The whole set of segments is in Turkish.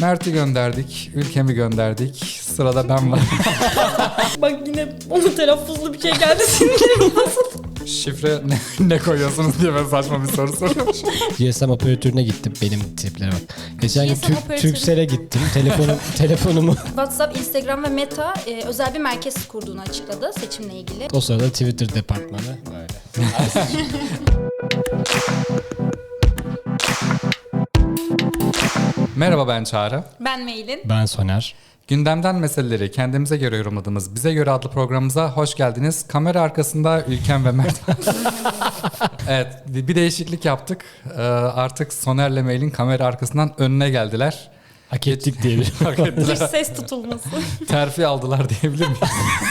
Mert'i gönderdik, ülkemi gönderdik. Sırada ben var. Bak yine onun telaffuzlu bir şey geldi sinirlerim bozuldu. Şifre ne koyuyorsunuz diye ben saçma bir soru soruyorum. GSM operatörüne gittim. Benim triplere bak. Geçen gün GSM operatörü. Turkcell'e gittim. Telefonumu WhatsApp, Instagram ve Meta özel bir merkez kurduğunu açıkladı seçimle ilgili. o sırada Twitter departmanı böyle. Merhaba, ben Çağrı. Ben Mail'in. Ben Soner. Gündemden meseleleri kendimize göre yorumladığımız Bize Göre adlı programımıza hoş geldiniz. Kamera arkasında Ülkem ve Mert. Evet, bir değişiklik yaptık. Artık Soner'le Mail'in kamera arkasından önüne geldiler. Hak ettik diyebilirim. Hak ettiler. Dış ses tutulması. Terfi aldılar diyebilir miyiz?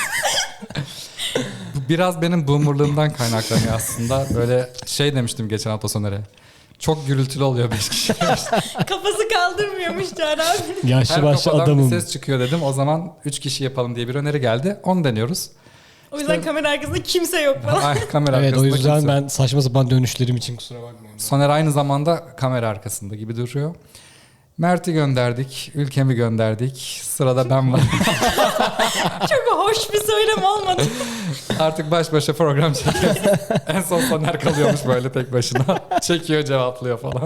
Bu biraz benim boomerlığımdan kaynaklanıyor aslında. Böyle şey demiştim geçen hafta Soner'e. Çok gürültülü oluyor 5 kişi. Kafası kaldırmıyormuş Çağrı abi. Yaşlı Her başlı kafadan adamım. bir ses çıkıyor dedim. O zaman 3 kişi yapalım diye bir öneri geldi. Onu deniyoruz. O yüzden kamera arkasında kimse yok falan. Ay, kamera Evet, o arkasında yüzden kimse. ben saçma sapan dönüşlerim için kusura bakmayın. Soner aynı zamanda kamera arkasında gibi duruyor. Mert'i gönderdik, ülkemi gönderdik. Sırada ben var. Çok hoş bir söylem olmadı. Artık baş başa program çekiyoruz. En son Soner kalıyormuş böyle tek başına. Çekiyor, cevaplıyor falan.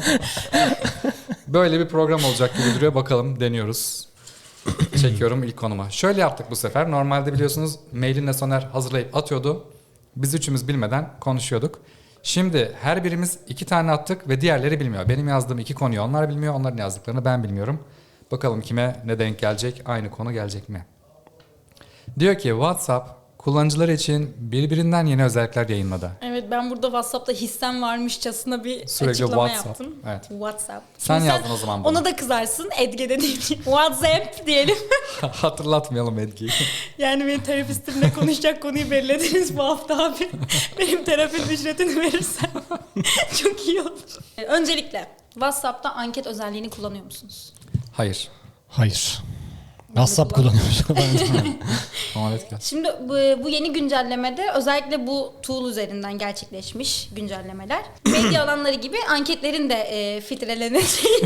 Böyle bir program olacak gibi duruyor. Bakalım, deniyoruz. Çekiyorum ilk konuma. Şöyle yaptık bu sefer. Normalde biliyorsunuz Mailin'le Soner hazırlayıp atıyordu. Biz üçümüz bilmeden konuşuyorduk. Şimdi her birimiz 2 tane attık ve diğerleri bilmiyor. Benim yazdığım 2 konuyu onlar bilmiyor. Onların yazdıklarını ben bilmiyorum. Bakalım kime ne denk gelecek? Aynı konu gelecek mi? Diyor ki WhatsApp kullanıcıları için birbirinden yeni özellikler yayınladı. Evet, ben burada WhatsApp'ta hissem varmışçasına bir Sürekli açıklama WhatsApp, yaptım. evet. WhatsApp. Sen Şimdi yazdın o zaman bunu. Ona da kızarsın. Edge'de değil. WhatsApp diyelim. Hatırlatmayalım Edgi'yi. Yani benim terapistimle konuşacak konuyu belirlediniz bu hafta abi. Benim terapinin ücretini verirsen çok iyi olur. Öncelikle WhatsApp'ta anket özelliğini kullanıyor musunuz? Hayır. Hayır. WhatsApp kullanıyoruz. Muhabbet gel. Şimdi bu yeni güncellemede özellikle bu tool üzerinden gerçekleşmiş güncellemeler. Medya alanları gibi anketlerin de filtreleneceği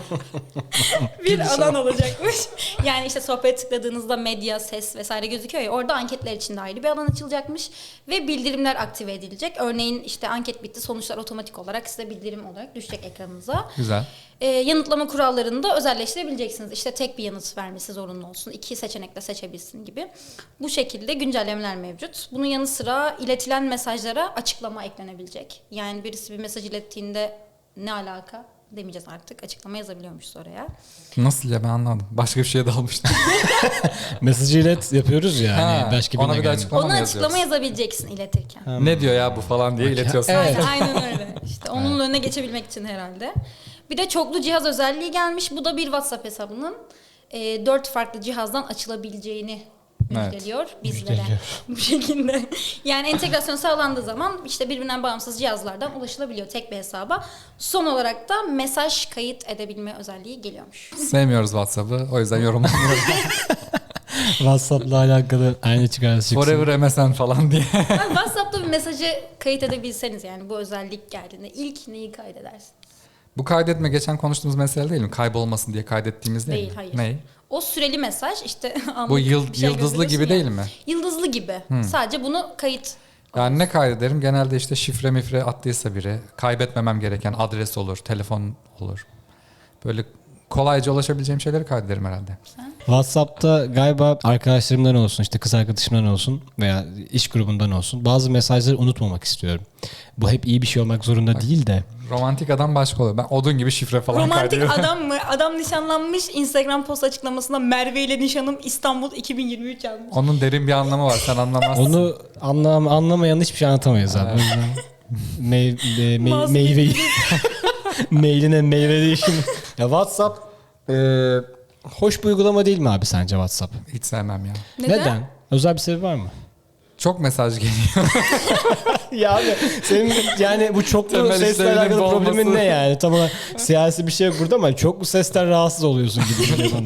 bir alan olacakmış. Yani işte sohbet tıkladığınızda medya, ses vesaire gözüküyor ya, orada anketler için de ayrı bir alan açılacakmış ve bildirimler aktive edilecek. Örneğin işte anket bitti, sonuçlar otomatik olarak size bildirim olarak düşecek ekranınıza. Güzel. Yanıtlama kurallarını da özelleştirebileceksiniz. İşte tek bir yanıt vermesi zorunlu olsun, 2 seçenekle seçebilsin gibi. Bu şekilde güncellemeler mevcut. Bunun yanı sıra iletilen mesajlara açıklama eklenebilecek. Yani birisi bir mesaj ilettiğinde ne alaka demeyeceğiz artık. Açıklama yazabiliyormuşuz oraya. Nasıl ya, ben anladım. Başka bir şeye dalmıştım. Mesajı ilet yapıyoruz ya. Ha, Hani başka ona birine bir de gelmiyor. açıklama Ona mı açıklama yazıyoruz? yazabileceksin iletirken. Ne diyor ya bu falan diye iletiyorsun. Evet. Aynen öyle. İşte onun önüne geçebilmek için herhalde. Bir de çoklu cihaz özelliği gelmiş. Bu da bir WhatsApp hesabının 4 farklı cihazdan açılabileceğini müjdeliyor bizlere. Müjdeliyor. Bu şekilde. Yani entegrasyon sağlandığı zaman işte birbirinden bağımsız cihazlardan ulaşılabiliyor tek bir hesaba. Son olarak da mesaj kayıt edebilme özelliği geliyormuş. Sevmiyoruz WhatsApp'ı. O yüzden yorumlamıyorum. WhatsApp'la alakalı aynı çıkarız çıksın. Forever MSN falan diye. Yani WhatsApp'ta bir mesajı kayıt edebilseniz, yani bu özellik geldiğinde ilk neyi kaydedersiniz? Bu kaydetme geçen konuştuğumuz mesele değil mi? Kaybolmasın diye kaydettiğimiz değil Değil, mi? hayır. Ney? O süreli mesaj işte anlık Bu bir şey yıldızlı gibi gönderiyorsun değil ya. mi? Yıldızlı gibi. Sadece bunu kayıt. Yani ne kaydederim? Genelde işte şifre mifre attıysa biri. Kaybetmemem gereken adres olur, telefon olur. Böyle kolayca ulaşabileceğim şeyleri kaydederim herhalde. WhatsApp'ta galiba arkadaşlarımdan olsun, işte kız arkadaşımdan olsun veya iş grubundan olsun bazı mesajları unutmamak istiyorum. Bu hep iyi bir şey olmak zorunda değil de. Romantik adam başka oluyor. Ben odun gibi şifre falan Romantik kaydediyorum. adam mı? Adam nişanlanmış, Instagram post açıklamasında Merve ile nişanım İstanbul 2023 yazmış. Onun derin bir anlamı var. Sen anlamazsın. Onu anlamayan hiçbir şey anlatamayız abi. O yüzden Masum meyveyi mailine meyve değişim. Ya WhatsApp hoş bir uygulama değil mi abi sence WhatsApp? Hiç sevmem ya. Neden? Özel bir sebebi var mı? Çok mesaj geliyor. Ya abi senin yani bu çoklu Temel sesle işlevinin alakalı olması. problemin ne yani? Tam olarak siyasi bir şey yok burada ama çoklu sesten rahatsız oluyorsun gibi geliyor bana yani.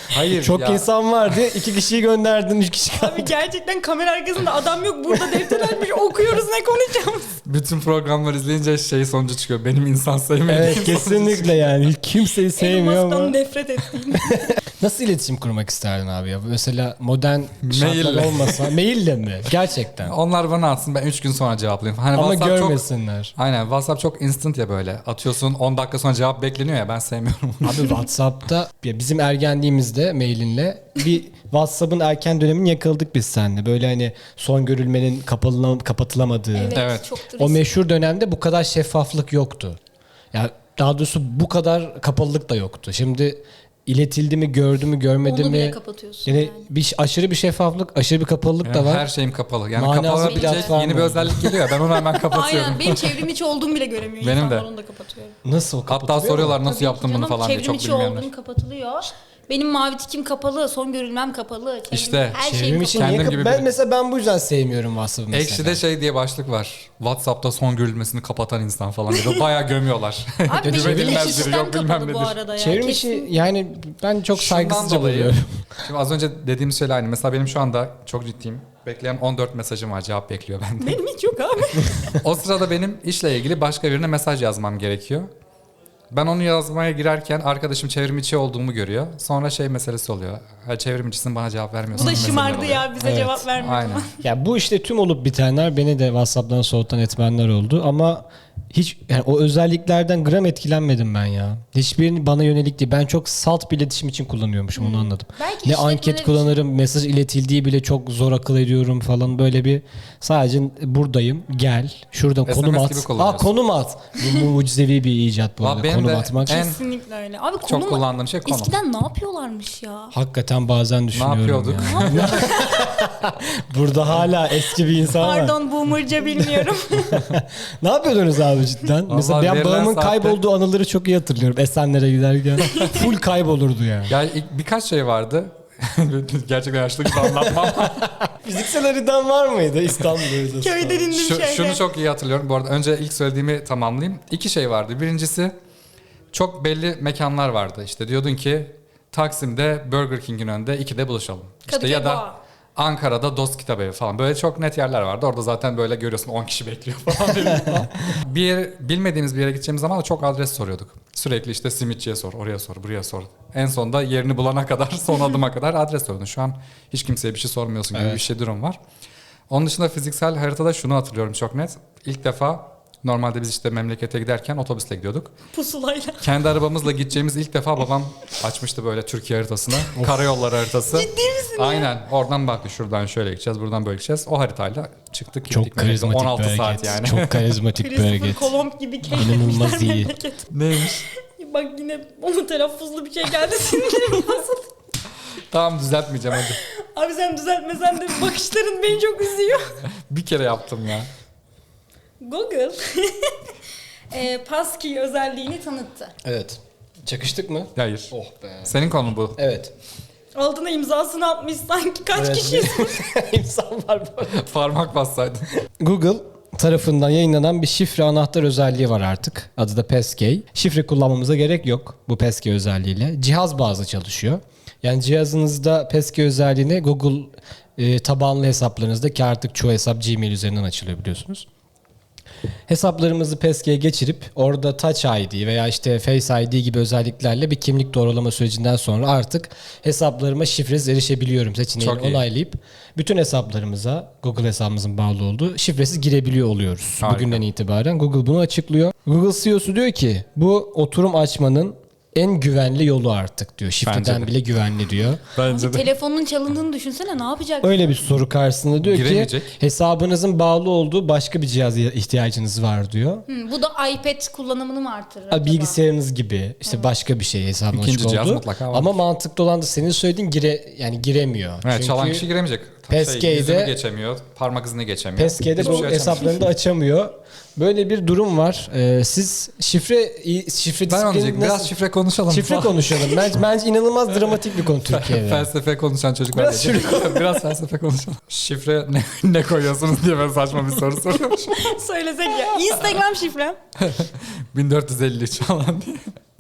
Hayır Çok ya. insan vardı. 2 kişiyi gönderdin, 3 kişi kaldı. Abi gerçekten kamera arkasında adam yok. Burada defter açmış okuyoruz ne konuşacağız. Bütün programları izleyince şey sonucu çıkıyor. Benim insan sevmediğim. Evet kesinlikle yani. Kimseyi sevmiyor Elon Musk'tan ama. nefret ettiğim. Nasıl iletişim kurmak isterdin abi ya? Mesela modern şartlar Maille. olmasa. Maille mi? Gerçekten. Onlar bana atsın, ben 3 gün sonra cevaplayayım. Hani Ama WhatsApp çok... görmesinler. Aynen, WhatsApp çok instant ya böyle. Atıyorsun 10 dakika sonra cevap bekleniyor ya, ben sevmiyorum onu. Abi WhatsApp'ta ya bizim ergenliğimizde mailinle bir WhatsApp'ın erken dönemini yakaladık biz seninle. Böyle hani son görülmenin kapatılamadığı. Evet, Evet. çok O meşhur dönemde bu kadar şeffaflık yoktu. Ya daha doğrusu bu kadar kapalılık da yoktu. Şimdi iletildi mi, gördü mü, görmedi Onu mi? bile kapatıyorsun Yani yani. aşırı bir şeffaflık, aşırı bir kapalılık Yani da var. her şeyim kapalı. Yani Manalı kapalı bir bir platform yeni bir oldu. özellik geliyor ya, ben onu hemen kapatıyorum. Aynen benim çevrim içi olduğumu bile göremiyor. Benim İnsanlar de. onu da kapatıyorum. Nasıl Hatta kapatılıyor mu? soruyorlar nasıl Tabii ki yaptın bunu canım, falan diye, çevrim çok içi bilmeyenler. olduğum kapatılıyor. Benim mavi tikim kapalı, son görülmem kapalı. Çevrim, İşte, her şeyim Çevrim için kapalı. niye Kendim gibi ben biri. mesela ben bu yüzden sevmiyorum WhatsApp'ı mesela. Ekşi'de şey diye başlık var. WhatsApp'ta son görülmesini kapatan insan falan diye. Bayağı gömüyorlar. Abi benimki de Güvenilmez biri, sistem yok bilmem kapalı bu nedir. arada ya. Çevrim Kesin. içi yani ben çok Şundan saygısızca dolayı- buluyorum. Şimdi az önce dediğimiz şeyler aynı. Mesela benim şu anda çok ciddiyim. Bekleyen 14 mesajım var, cevap bekliyor benden. Benim hiç yok abi. O sırada benim işle ilgili başka birine mesaj yazmam gerekiyor. Ben onu yazmaya girerken arkadaşım çevrim içi olduğumu görüyor. Sonra şey meselesi oluyor. Ha, çevrim içisin, bana cevap vermiyorsun. Bu da meseleler şımardı oluyor. ya bize Evet. cevap vermiyor. Aynen. Ya bu işte tüm olup bitenler beni de WhatsApp'tan soğutan etmenler oldu ama hiç yani o özelliklerden gram etkilenmedim ben ya. Hiçbirini bana yönelik değil. Ben çok salt bir iletişim için kullanıyormuşum onu anladım. Belki Ne işletmeler anket için- kullanırım, mesaj iletildiği bile çok zor akıl ediyorum falan böyle bir sadece buradayım gel şuradan SMS konum gibi at. kullanıyorsun. Konum at. Bu mucizevi bir icat bu Valla arada benim konum de atmak. en- Kesinlikle öyle. Abi Çok konum kullandığım şey konum. eskiden ne yapıyorlarmış ya? Hakikaten bazen düşünüyorum yapıyorduk? ya. Burada hala eski bir insan var. Pardon boomerca bilmiyorum. Ne yapıyordunuz abi cidden? Mesela ben verilen babamın saatte- kaybolduğu anıları çok iyi hatırlıyorum. Esenler'e giderken. Full kaybolurdu yani. Ya birkaç şey vardı. Gerçekten yaşlı gibi anlatmam. Fiziksel haritan var mıydı İstanbul'da? Köyde dindim şeyde. Şunu çok iyi hatırlıyorum. Bu arada önce ilk söylediğimi tamamlayayım. 2 şey vardı. Birincisi çok belli mekanlar vardı. İşte diyordun ki Taksim'de Burger King'in önünde 2'de buluşalım. İşte Kadıköy ya da Boğa. Ankara'da Dost Kitabevi falan. Böyle çok net yerler vardı. Orada zaten böyle görüyorsun 10 kişi bekliyor falan. bir yer, bilmediğimiz bir yere gideceğimiz zaman da çok adres soruyorduk. Sürekli işte simitçiye sor, oraya sor, buraya sor. En sonunda yerini bulana kadar, son adıma kadar adres soruyordun. Şu an hiç kimseye bir şey sormuyorsun gibi Evet. bir şey durum var. Onun dışında fiziksel haritada şunu hatırlıyorum çok net. İlk defa normalde biz işte memlekete giderken otobüsle gidiyorduk. Pusulayla. Kendi arabamızla gideceğimiz ilk defa babam açmıştı böyle Türkiye haritasını. Karayolları haritası. Ciddi misin ya? Aynen. Oradan baktı, şuradan şöyle gideceğiz, buradan böyle gideceğiz. O haritayla çıktık gittik. Çok karizmatik 16 bir saat hareket. yani. Çok karizmatik bir Christopher hareket. Kolomb gibi İnanılmaz keşfetmişler iyi. memleket. Neymiş? Bak yine onun telaffuzlu bir şey geldi sinirlerim bozuldu. Tamam, düzeltmeyeceğim hadi. Abi sen düzeltmesen de bakışların beni çok üzüyor. Bir kere yaptım ya. Google Passkey özelliğini tanıttı. Evet. Çakıştık mı? Hayır. Oh be. Senin konun bu. Evet. Altına imzasını atmış sanki kaç Evet. kişi. İnsan var bu. Parmak bassaydın. Google tarafından yayınlanan bir şifre anahtar özelliği var artık. Adı da Passkey. Şifre kullanmamıza gerek yok bu Passkey özelliğiyle. Cihaz bazlı çalışıyor. Yani cihazınızda Passkey özelliğini Google tabanlı hesaplarınızda, ki artık çoğu hesap Gmail üzerinden açılıyor biliyorsunuz. Hesaplarımızı Passkey'e geçirip orada Touch ID veya işte Face ID gibi özelliklerle bir kimlik doğrulama sürecinden sonra artık hesaplarıma şifresiz erişebiliyorum seçeneğini Çok iyi. onaylayıp bütün hesaplarımıza Google hesabımızın bağlı olduğu şifresiz girebiliyor oluyoruz. Harika. Bugünden itibaren Google bunu açıklıyor. Google CEO'su diyor ki bu oturum açmanın en güvenli yolu artık diyor. Bence Şifreden de. bile güvenli diyor. Bence Telefonun çalındığını düşünsene ne yapacak? Öyle bir soru karşısında diyor ki Giremeyecek. hesabınızın bağlı olduğu başka bir cihaza ihtiyacınız var diyor. Bu da iPad kullanımını mı artırır acaba? Bilgisayarınız gibi işte başka bir şey hesabın İkinci açık cihaz olduğu. mutlaka var. Ama mantıklı olan da senin söylediğin giremiyor. Evet, Çünkü çalan kişi giremeyecek. Passkey'de- yüzünü geçemiyor, parmak izini geçemiyor. Passkey'de Hiçbir bu şey açamıyor. hesaplarını da açamıyor. Böyle bir durum var. Siz şifre Ben onu disiplini diyecektim. Biraz nasıl- şifre konuşalım. şifre konuşalım. Bence inanılmaz dramatik bir konu Türkiye'de. Felsefe konuşan çocuklar. Biraz diyecek. Biraz felsefe konuşalım. Şifre ne koyuyorsunuz diye ben saçma bir soru soruyorum. Söylesek ya. Instagram şifrem. 1453 falan diye.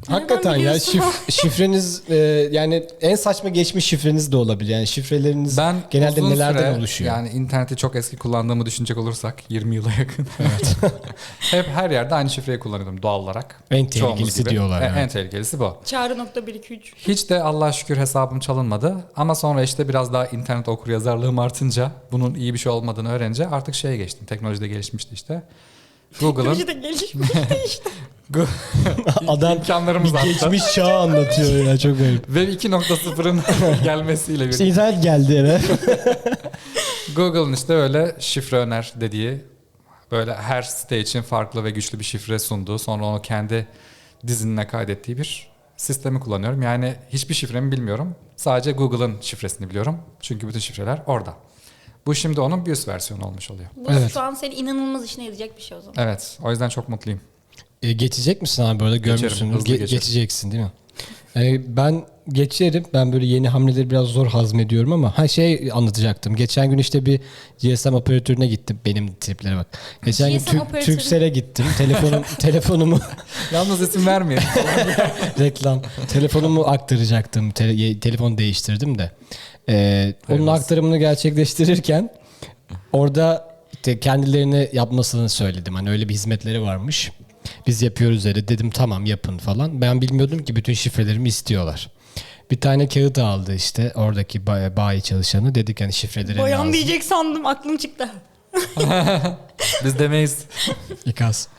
Hakikaten ya biliyorsun? şifreniz yani en saçma geçmiş şifreniz de olabilir. Yani şifreleriniz Ben genelde uzun nelerden süre, oluşuyor? yani interneti çok eski kullandığımı düşünecek olursak 20 yıla yakın. Hep her yerde aynı şifreyi kullanıyordum doğal olarak. En Çoğumuz tehlikelisi gibi. diyorlar. En Evet. tehlikelisi bu. Çağrı.123. Hiç de Allah'a şükür hesabım çalınmadı. Ama sonra işte biraz daha internet okuryazarlığım artınca, bunun iyi bir şey olmadığını öğrenince artık şeye geçtim. Teknolojide gelişmişti işte. Google'ın Teknoloji de gelişmiş işte. Adam imkanlarımız bir arttı. geçmiş çağı anlatıyor ya, çok garip. Web 2.0'ın gelmesiyle İşte birlikte. internet geldi eve. Google'ın işte öyle şifre öner dediği, böyle her site için farklı ve güçlü bir şifre sunduğu, sonra onu kendi dizinine kaydettiği bir sistemi kullanıyorum. Yani hiçbir şifremi bilmiyorum. Sadece Google'ın şifresini biliyorum. Çünkü bütün şifreler orada. Bu şimdi onun bir üst versiyonu olmuş oluyor. Bu Evet. şu an senin inanılmaz işine yarayacak bir şey o zaman. Evet, o yüzden çok mutluyum. Geçecek misin abi böyle görmüşsün. hızlı geçerim. Geçeceksin değil mi? Ben geçerim. Ben böyle yeni hamleleri biraz zor hazmediyorum ama şey anlatacaktım. Geçen gün işte bir GSM operatörüne gittim. Benim triplere bak. Geçen gün GSM operatörü. Turkcell'e gittim. Telefonumu Yalnız isim vermeyin. reklam. Telefonumu aktaracaktım. Telefonu değiştirdim de. Onun Hayırlısı. aktarımını gerçekleştirirken orada işte kendilerini yapmasını söyledim. Hani öyle bir hizmetleri varmış. Biz yapıyoruz dedi. Dedim tamam yapın falan. Ben bilmiyordum ki bütün şifrelerimi istiyorlar. Bir tane kağıt aldı işte oradaki bayi çalışanı. Dedik hani şifreleri Bayan lazım. diyecek sandım, aklım çıktı. Biz demeyiz. İkaz.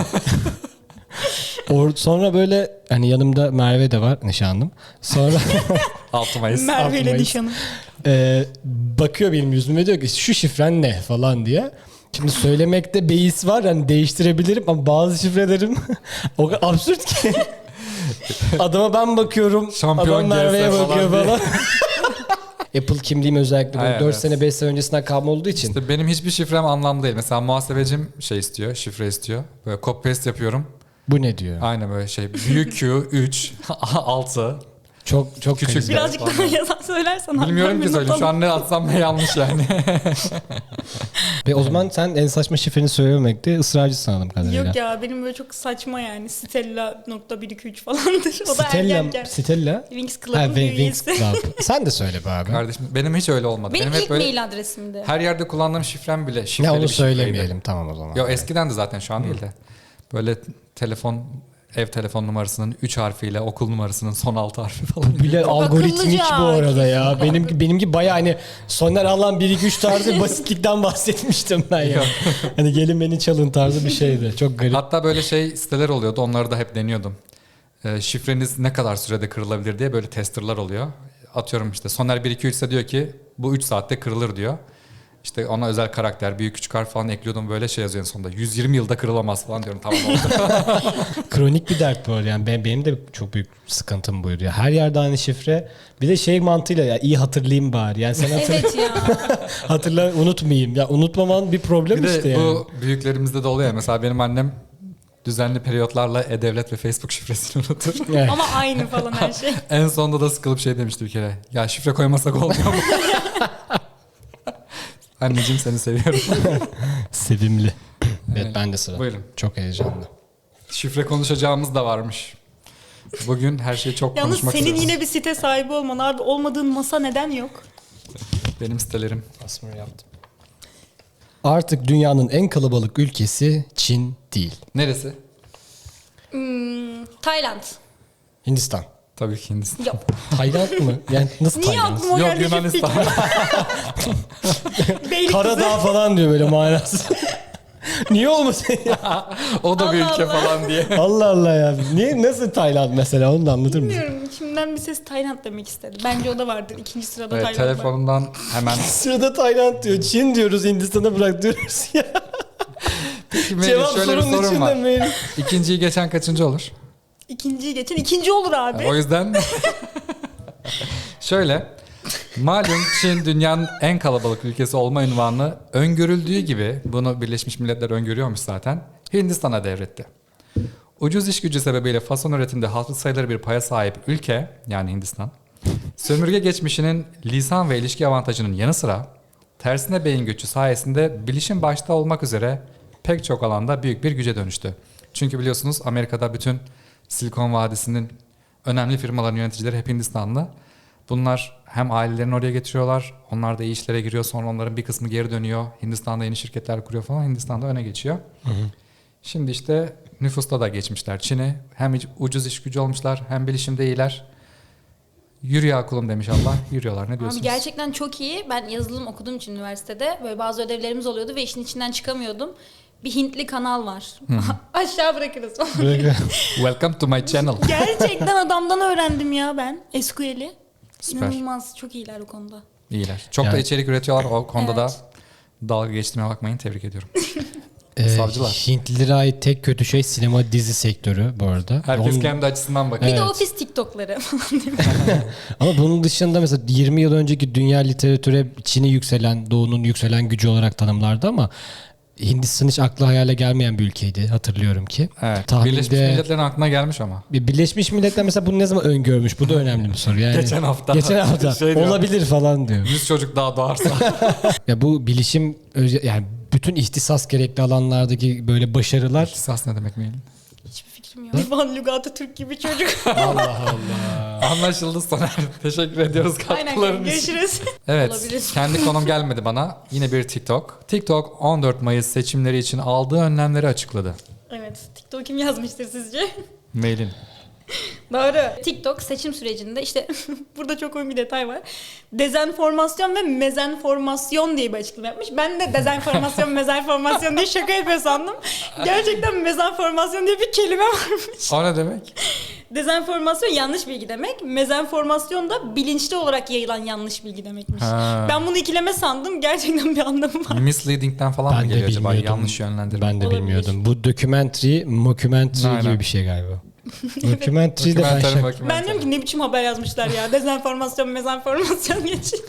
Sonra böyle hani yanımda Merve de var, nişanlım. Sonra 6 Mayıs. Merve ile Mayıs. nişanım. bakıyor benim yüzüme, diyor ki şu şifren ne falan diye. Şimdi söylemekte beis var, hani değiştirebilirim ama bazı şifrelerim o kadar absürt ki. Adama ben bakıyorum, Şampiyon adam Merve'ye GS falan bakıyor diye. falan. Apple kimliğim özellikle böyle Ay, 4 evet. sene 5 sene öncesinden kalma olduğu için. İşte benim hiçbir şifrem anlamlı değil. Mesela muhasebecim şey istiyor, şifre istiyor. Böyle copy paste yapıyorum. Bu ne diyor? Aynen böyle şey. Büyük Q, 3, 6. Çok Küçük kriz. Birazcık daha yazan söylersen. Bilmiyorum ki söyleyeyim. Şu an ne atsam ne yanlış yani. Ve o zaman sen en saçma şifreni söylememekte ısrarcısın anladığım kadarıyla. Yok ya, benim böyle çok saçma yani. Stella.123 falandır. O da ergenken. Stella? Wings Ha, Club'ın bir Wings üyesi. Club. Sen de söyle be abi. Kardeşim benim hiç öyle olmadı. Benim hep ilk böyle mail adresimdi. her yerde kullandığım şifrem bile şifreli Ne onu bir şifreydi. söylemeyelim tamam o zaman. Yo eskiden de zaten şu an değil de. Böyle ev telefon numarasının 3 harfiyle okul numarasının son 6 harfi falan. Bile Çok algoritmik akıllıca. bu arada ya. Benimki bayağı hani Soner Alan 1 2 3 tarzı basitlikten bahsetmiştim ben ya. Hani gelin beni çalın tarzı bir şeydi. Çok garip. Hatta böyle şey siteler oluyordu. Onları da hep deniyordum. Şifreniz ne kadar sürede kırılabilir diye böyle testerlar oluyor. Atıyorum işte Soner 1 2 3 ise diyor ki bu 3 saatte kırılır diyor. İşte ona özel karakter, büyük küçük harf falan ekliyordum, böyle şey yazıyor en sonunda. 120 yılda kırılamaz falan diyorum, tamam oldu. Kronik bir dert bu arada. Yani benim de çok büyük sıkıntım buydu ya. Her yerde aynı şifre. Bir de şey mantığıyla ya iyi hatırlayayım bari. Yani sen Evet ya. hatırla unutmayayım. Ya unutmaman bir problem Bir de işte yani. bu büyüklerimizde de oluyor ya. Mesela benim annem düzenli periyotlarla E-Devlet ve Facebook şifresini unutur. Evet. Ama aynı falan her şey. En sonunda da sıkılıp şey demişti bir kere. Ya şifre koymasak olmuyor mu? Anneciğim seni seviyorum. Sevimli. Evet ben de sıra. Buyurun. Çok heyecanlı. Şifre konuşacağımız da varmış. Bugün her şeyi çok Yalnız konuşmak senin istiyoruz. yine bir site sahibi olman abi. Olmadığın masa neden yok? Benim sitelerim. Asmır yaptım. Artık dünyanın en kalabalık ülkesi Çin değil. Neresi? Tayland. Hindistan. Tabii ki Hindistan. Yok. Tayland mı? Yani nasıl Niye Tayland? aklıma Yok geldi? Yunanistan. Beylikdüzü. Karadağ falan diyor böyle manası. Niye olmasın ya? O da bir Allah ülke Allah. falan diye. Allah Allah ya. Niye nasıl Tayland mesela onu da anlatır mısın? Bilmiyorum. İçimden bir ses Tayland demek istedi. Bence o da vardır. İkinci sırada Evet, Tayland var. telefonumdan hemen. Sırada Tayland diyor. Çin diyoruz, Hindistan'a bırak diyoruz ya. Peki Cevap şöyle bir sorunun sorum içinde var. mail. İkinciyi geçen kaçıncı olur? İkinciyi geçen ikinci olur abi. O yüzden şöyle, malum Çin dünyanın en kalabalık ülkesi olma ünvanını öngörüldüğü gibi, bunu Birleşmiş Milletler öngörüyormuş zaten, Hindistan'a devretti. Ucuz iş gücü sebebiyle fason üretimde hatırı sayılır bir paya sahip ülke, yani Hindistan, sömürge geçmişinin lisan ve ilişki avantajının yanı sıra tersine beyin göçü sayesinde bilişim başta olmak üzere pek çok alanda büyük bir güce dönüştü. Çünkü biliyorsunuz Amerika'da bütün Silikon Vadisi'nin önemli firmaların yöneticileri hep Hindistanlı. Bunlar hem ailelerini oraya getiriyorlar. Onlar da iyi işlere giriyor. Sonra onların bir kısmı geri dönüyor. Hindistan'da yeni şirketler kuruyor falan. Hindistan'da öne geçiyor. Şimdi işte nüfusta da geçmişler Çin'i. Hem ucuz iş gücü olmuşlar hem bilişimde iyiler. Yürü ya kulum demiş Allah. Yürüyorlar. Ne diyorsunuz? Abi gerçekten çok iyi. Ben yazılım okuduğum için üniversitede böyle bazı ödevlerimiz oluyordu ve işin içinden çıkamıyordum. Bir Hintli kanal var. Aşağı bırakırız. Welcome to my channel. Gerçekten adamdan öğrendim ya ben SQL'i. Süper. İnanılmaz. Çok iyiler o konuda. İyiler. Çok da Yani- içerik üretiyorlar. O konuda da Evet. dalga geçtiğime bakmayın. Tebrik ediyorum. Savcılar. Hintlilere ait tek kötü şey sinema dizi sektörü bu arada. Herkes Onun- kendi açısından bakıyor. Bir de Evet. ofis TikTok'ları. Ama bunun dışında mesela 20 yıl önceki dünya literatüre Çin'i yükselen, Doğu'nun yükselen gücü olarak tanımlardı ama Hindistan hiç akla hayale gelmeyen bir ülkeydi hatırlıyorum ki. Evet. Tahminde- Birleşmiş Milletler'in aklına gelmiş ama. Birleşmiş Milletler mesela bunu ne zaman öngörmüş? Bu da önemli bir soru. Yani Geçen hafta. Geçen hafta Şey diyor. olabilir falan diyor. 100 çocuk daha doğarsa. Ya bu bilişim yani bütün ihtisas gerekli alanlardaki böyle başarılar Kısas ne demek Melih? Hiçbir fikrim yok. Van Lugatu Türk gibi çocuk. Allah Allah. Anlaşıldı Soner. Teşekkür ediyoruz Aynen katkıların için. görüşürüz. Evet. Olabilir. Kendi konum gelmedi bana. Yine bir TikTok. TikTok 14 Mayıs seçimleri için aldığı önlemleri açıkladı. Evet. TikTok kim yazmıştır sizce? Mailin. Doğru. TikTok seçim sürecinde işte burada çok önemli bir detay var. Dezenformasyon ve mezenformasyon diye bir açıklama yapmış. Ben de dezenformasyon, mezenformasyon diye şaka yapıyor sandım. Gerçekten mezenformasyon diye bir kelime varmış. O ne demek? Dezenformasyon yanlış bilgi demek. Mezenformasyon da bilinçli olarak yayılan yanlış bilgi demekmiş. Ha. Ben bunu ikileme sandım. Gerçekten bir anlamı var. Misleading'den falan Ben mı de geliyor acaba? bilmiyordum. Yanlış yönlendirme. Ben de Olabilir. bilmiyordum. Bu documentary, mockumentary Aynen. gibi bir şey galiba. Documentary de ben Dokumentary, şaka. dokumentary. Ben diyorum ki ne biçim haber yazmışlar ya. Dezenformasyon, mezenformasyon geçin.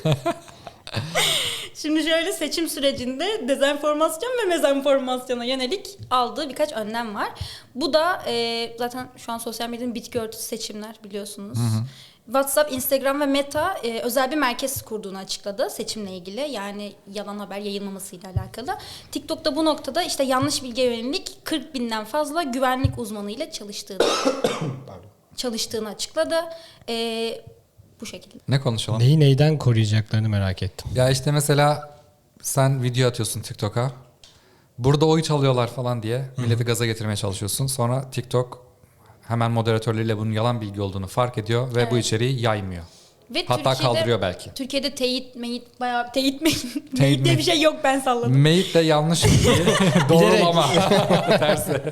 Şimdi şöyle seçim sürecinde dezenformasyon ve mezenformasyona yönelik aldığı birkaç önlem var. Bu da zaten şu an sosyal medyanın bitki örtüsü seçimler biliyorsunuz. WhatsApp, Instagram ve Meta özel bir merkez kurduğunu açıkladı seçimle ilgili. Yani yalan haber yayılmamasıyla alakalı. TikTok'ta bu noktada işte yanlış bilgiye yönelik 40 binden fazla güvenlik uzmanıyla çalıştığını açıkladı. Bu şekilde. Ne konuşalım? Neyi neyden koruyacaklarını merak ettim. Ya işte mesela sen video atıyorsun TikTok'a. Burada oy çalıyorlar falan diye milleti gaza getirmeye çalışıyorsun. Sonra TikTok hemen moderatörleriyle bunun yalan bilgi olduğunu fark ediyor ve bu Evet. içeriği yaymıyor. Ve Hatta kaldırıyor belki. Türkiye'de bayağı teyit diye bir şey yok, ben salladım. Meyit de yanlış bilgi doğrulama. Tersi.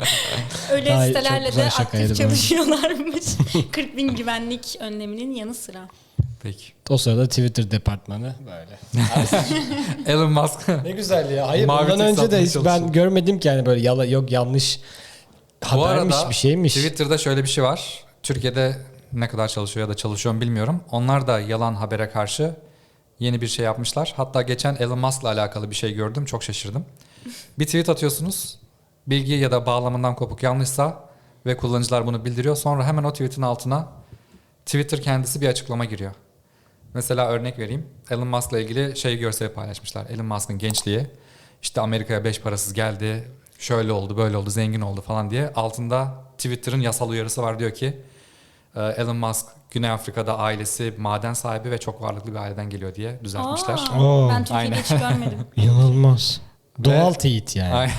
Öyle Ay, sitelerle çok güzel de şakaydı aktif bu. çalışıyorlarmış. 40 bin güvenlik önleminin yanı sıra. Peki. O sırada Twitter departmanı böyle. Elon Musk. Ne güzel ya. Hayır Mavi ondan tik önce de satmaya hiç ben çalışıyor. görmedim ki yani böyle yok yanlış Bu habermiş arada bir şeymiş. Twitter'da şöyle bir şey var. Türkiye'de ne kadar çalışıyor ya da çalışıyor mu bilmiyorum. Onlar da yalan habere karşı yeni bir şey yapmışlar. Hatta geçen Elon Musk'la alakalı bir şey gördüm. Çok şaşırdım. Bir tweet atıyorsunuz. Bilgi ya da bağlamından kopuk yanlışsa ve kullanıcılar bunu bildiriyor. Sonra hemen o tweetin altına Twitter kendisi bir açıklama giriyor. Mesela örnek vereyim. Elon Musk'la ilgili görseli paylaşmışlar. Elon Musk'ın gençliği. İşte Amerika'ya 5 parasız geldi. Şöyle oldu, böyle oldu, zengin oldu falan diye. Altında Twitter'ın yasal uyarısı var, diyor ki Elon Musk Güney Afrika'da ailesi maden sahibi ve çok varlıklı bir aileden geliyor diye düzeltmişler. Oo. Ben Türkiye'de Aynen. hiç görmedim. İnanılmaz. Doğal teyit yani. Aynen.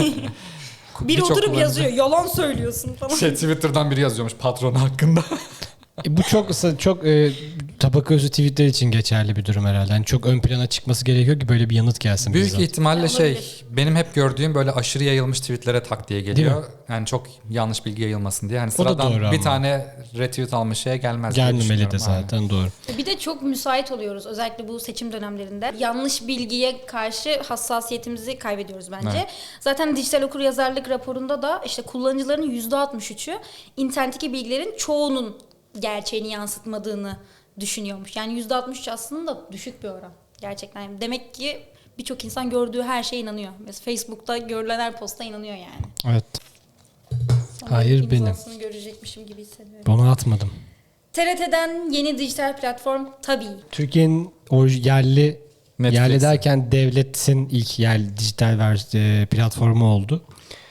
Biri Birçok oturup kullanıcı- yazıyor, yalan söylüyorsun falan. Twitter'dan biri yazıyormuş patronu hakkında. Bu çok tabaka özü Twitter için geçerli bir durum herhalde. Yani çok ön plana çıkması gerekiyor ki böyle bir yanıt gelsin. Büyük bizzat. ihtimalle Olabilir. benim hep gördüğüm böyle aşırı yayılmış tweetlere tak diye geliyor. Yani çok yanlış bilgi yayılmasın diye. Hani O da sıradan doğru bir ama. tane retweet almış şeye gelmez diye Gelmemeli de düşünüyorum. Aynen. zaten doğru. Bir de çok müsait oluyoruz özellikle bu seçim dönemlerinde. Yanlış bilgiye karşı hassasiyetimizi kaybediyoruz bence. Evet. Zaten dijital okuryazarlık raporunda da işte kullanıcıların %63'ü internetteki bilgilerin çoğunun gerçeğini yansıtmadığını düşünüyormuş. Yani %63 aslında düşük bir oran. Gerçekten. Yani demek ki birçok insan gördüğü her şeye inanıyor. Mesela Facebook'ta görülen her posta inanıyor yani. Evet. Sonra Hayır, benim. imzasını görecekmişim gibi hissediyorum. Bunu atmadım. TRT'den yeni dijital platform Tabii. Türkiye'nin o yerli Netflix. yerli derken devletin ilk yerli dijital platformu oldu.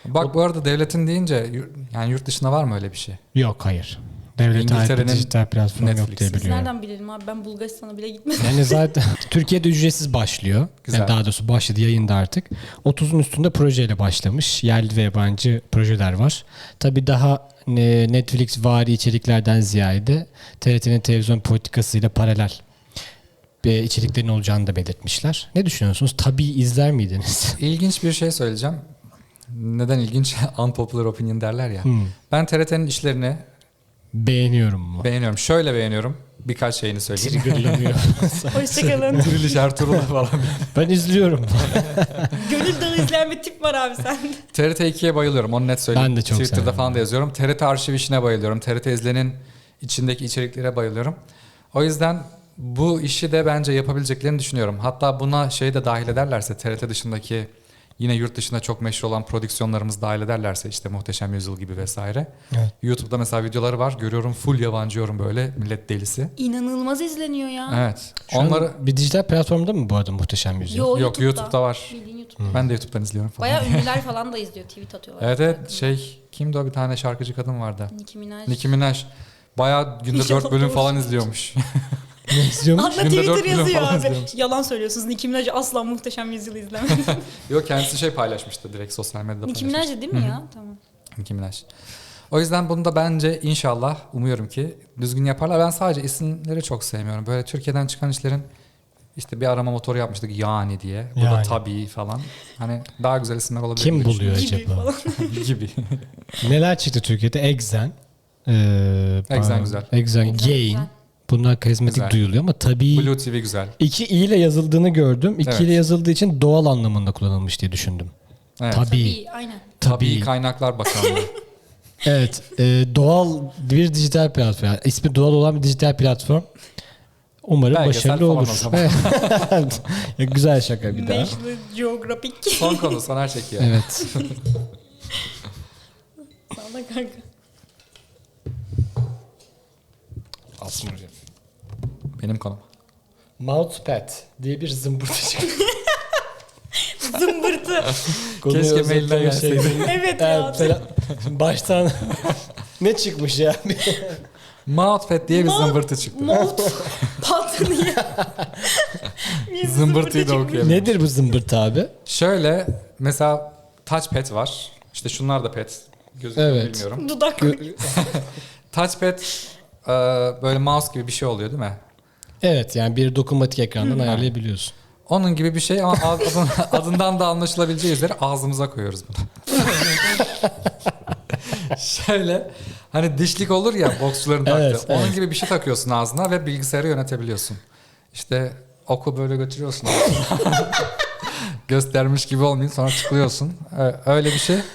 Bak bu arada devletin deyince yani yurt dışında var mı öyle bir şey? Yok, hayır. Devlete ait bir İngiltere'nin dijital platform yok Netflix'i. diye Biz biliyorum. nereden bilelim abi? Ben Bulgaristan'a bile gitmedim. Yani zaten Türkiye'de ücretsiz başlıyor. Güzel. Yani daha doğrusu başladı, yayında artık. 30'un üstünde projeyle başlamış. Yerli ve yabancı projeler var. Tabii daha Netflix vari içeriklerden ziyade TRT'nin televizyon politikasıyla paralel içeriklerin olacağını da belirtmişler. Ne düşünüyorsunuz? Tabii izler miydiniz? İlginç bir şey söyleyeceğim. Neden ilginç? Unpopular opinion derler ya. Ben TRT'nin işlerini Beğeniyorum mu? beğeniyorum. Şöyle beğeniyorum. Birkaç şeyini söyleyeyim. Triggerlanıyor. Hoşçakalın. Diriliş Ertuğrul'a falan. Ben izliyorum. Gönül Dağı izleyen bir tip var abi sende. TRT 2'ye bayılıyorum. Onu net söyleyeyim. Ben de çok Twitter'da severim. falan da yazıyorum. TRT Arşiv işine bayılıyorum. TRT İzlen'in içindeki içeriklere bayılıyorum. O yüzden bu işi de bence yapabileceklerini düşünüyorum. Hatta buna şey de dahil ederlerse, TRT dışındaki yine yurt dışında çok meşhur olan prodüksiyonlarımız dahil ederlerse, işte Muhteşem Yüzyıl gibi vesaire. Evet. YouTube'da mesela videoları var. Görüyorum, full yabancı yorum, böyle millet delisi. İnanılmaz izleniyor ya. Evet. Şu an Onları bir dijital platformda mı bu arada Muhteşem Yüzyıl? yok, YouTube'da var. Bildiğin YouTube'da. Ben de YouTube'dan izliyorum falan. Bayağı ünlüler falan da izliyor. Tweet atıyorlar. Evet şey, kimdi o, bir tane şarkıcı kadın vardı. Nicki Minaj. Nicki Minaj. Bayağı günde İnşallah 4 bölüm doğru falan söylüyorsun. izliyormuş. Ne izliyormuş? Anla Günde Twitter 4 milyon yazıyor falan abi. izliyormuş. Yalan söylüyorsunuz. Nicki Minaj asla Muhteşem Yüzyıl'ı izlemedi. Yok, kendisi şey paylaşmıştı, direkt sosyal medyada Nicki paylaşmıştı. Minaj değil mi ya? Tamam. Nicki Minaj. O yüzden bunu da bence inşallah, umuyorum ki düzgün yaparlar. Ben sadece isimleri çok sevmiyorum. Böyle Türkiye'den çıkan işlerin, işte bir arama motoru yapmıştık yani diye. Bu da Yani. tabii falan. Hani daha güzel isimler olabilir. Kim gibi buluyor Gibi acaba? falan. düşünüyorum. Gibi. Neler çıktı Türkiye'de? Exen. Exen güzel. Exen, Gain. güzel. Bunlar karizmatik Güzel. duyuluyor ama tabii Blue TV güzel. 2 i ile yazıldığını gördüm. 2 Evet. ile yazıldığı için doğal anlamında kullanılmış diye düşündüm. Evet. Tabii. Tabii aynen. Tabii Kaynaklar Bakanlığı. Evet. Doğal bir dijital platform. Yani ismi doğal olan bir dijital platform. Umarım Belgesel başarılı falan olur. o zaman. Evet. Ya, güzel şaka bir daha. National Geographic. Son konu, Soner çekiyor. Evet. Sağda kanka. Benim konum. Mousepad diye bir zımbırtı çıktı. Zımbırtı. Konuyu Keşke özetleme mailden gelseydi. şeyleri- Evet ya. Evet, baştan ne çıkmış ya? Mousepad diye bir Mouse- zımbırtı çıktı. Mouth pat diye. Bir Zımbırtıyı da çıkmış. okuyalım. Nedir bu zımbırtı abi? Şöyle mesela touchpad var. İşte şunlar da pad. Gözüküyor Evet. bilmiyorum. Dudak. Touchpad böyle mouse gibi bir şey oluyor değil mi? Evet, yani bir dokunmatik ekrandan ayarlayabiliyorsun. Onun gibi bir şey ama adından da anlaşılabileceği üzere ağzımıza koyuyoruz bunu. Şöyle hani dişlik olur ya boksçuların taktığı. Evet, Onun evet. gibi bir şey takıyorsun ağzına ve bilgisayarı yönetebiliyorsun. İşte oku böyle götürüyorsun ağzına. Göstermiş gibi olmayayım, sonra tıklıyorsun. Öyle bir şey.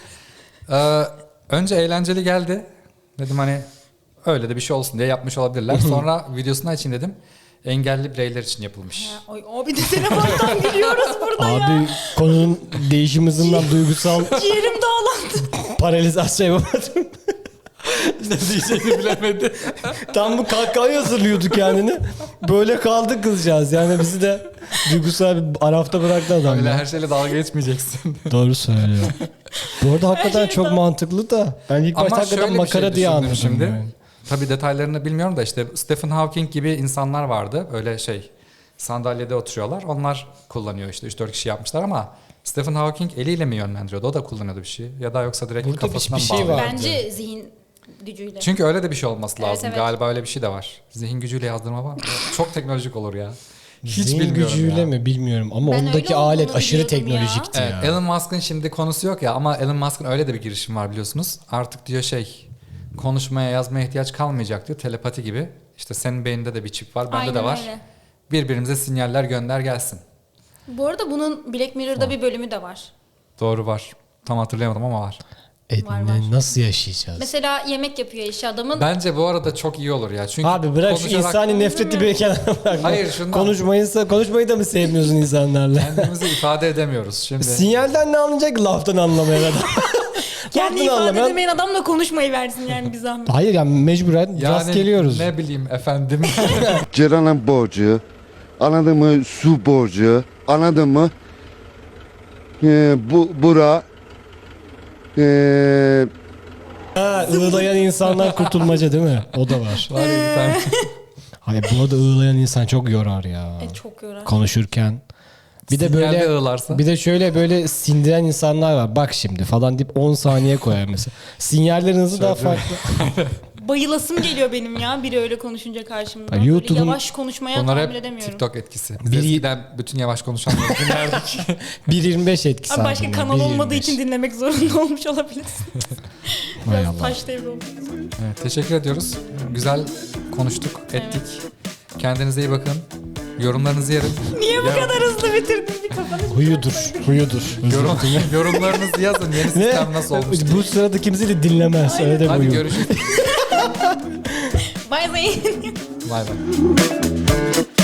Önce eğlenceli geldi. Dedim hani öyle de bir şey olsun diye yapmış olabilirler. Sonra videosunu açayım dedim. Engelli bireyler için yapılmış. Ya, Ay abi de telefondan gülüyoruz burada ya. Abi konunun değişim hızından duygusal Ciğerim dağlandı. paralizasyon yapamadım. Ne diyeceğini bilemedi. Tam bu kahkahayı hazırlıyordu kendini. Böyle kaldı kızcağız. Yani bizi de duygusal bir arafta bıraktı adam. Öyle ya. her şeyle dalga geçmeyeceksin. Doğru söylüyor. Bu arada hakikaten şey çok tam- mantıklı da. Ben ilk başta hakikaten şöyle bir makara şey diye düşündüm anladım. şimdi. Yani. Tabii detaylarını bilmiyorum da işte Stephen Hawking gibi insanlar vardı. Öyle şey, sandalyede oturuyorlar. Onlar kullanıyor, işte 3-4 kişi yapmışlar ama Stephen Hawking eliyle mi yönlendiriyordu? O da kullanıyordu bir şey. Ya da yoksa direkt Burada kafasına bir mı şey bağlıyordu? var. Bence zihin gücüyle. Çünkü öyle de bir şey olması lazım. evet. Galiba öyle bir şey de var. Zihin gücüyle yazdırma var mı? Çok teknolojik olur ya. Hiç Zihin bilmiyorum gücüyle ya. mi bilmiyorum ama Ben ondaki öyle alet olduğunu aşırı biliyordum ya. teknolojikti Evet, ya. Elon Musk'ın şimdi konusu yok ya ama Elon Musk'ın öyle de bir girişim var biliyorsunuz. Artık diyor şey, konuşmaya yazmaya ihtiyaç kalmayacak diyor. Telepati gibi. İşte senin beyninde de bir çip var, bende Aynen de var. öyle. Birbirimize sinyaller gönder gelsin. Bu arada bunun Black Mirror'da bir bölümü de var. Doğru, var. Tam hatırlayamadım ama var. Var, Nasıl yaşayacağız? Mesela yemek yapıyor eşi adamın. Bence bu arada çok iyi olur ya. Çünkü Abi bırak şu konuşarak insani nefreti bir kenara bırak. Hayır, şundan. Konuşmayı da mı sevmiyorsun insanlarla? kendimizi ifade edemiyoruz. Şimdi Sinyalden ne anlayacak ki laftan anlamayan adam? Kendi Laftan ifade anlamayan- edemeyen adamla konuşmayı versin yani bir zahmet. Hayır yani mecburen yani rast geliyoruz. ne bileyim efendim. Ceren'in borcu, anladın mı? Su borcu, anladın mı? Bura Ha, ığlayan insanlar kurtulmaca değil mi? O da var. Var ya bir tane. Hani bu arada ığlayan insan çok yorar ya. Çok yorar. Konuşurken. Bir de Sinyalde böyle ağlarsa. bir de şöyle böyle sindiren insanlar var. Bak şimdi falan deyip 10 saniye koyar mesela. Sinyallerin hızı daha farklı. Bayılasım geliyor benim ya biri öyle konuşunca karşımda. Ya Böyle YouTube'un- yavaş konuşmaya Bunlar tahammül hep edemiyorum. TikTok etkisi. Biz Bir- eskiden bütün yavaş konuşanları dinlerdik. 1.25 etkisi. Abi başka ardından, kanal olmadığı 1.25. için dinlemek zorunda olmuş olabilirsin. Hay Biraz Allah. taş devri olmuş. Evet, teşekkür ediyoruz. Güzel konuştuk, ettik. Kendinize iyi bakın. Yorumlarınızı yerim. Niye bu kadar hızlı bitirdin bir kafanı? Huyudur. Yorumlarınızı yazın. Yeni sistem nasıl olmuş? Bu sırada kimse de dinlemez. Öyle de Hadi huyu. görüşürüz. Bay bay. Bay bay.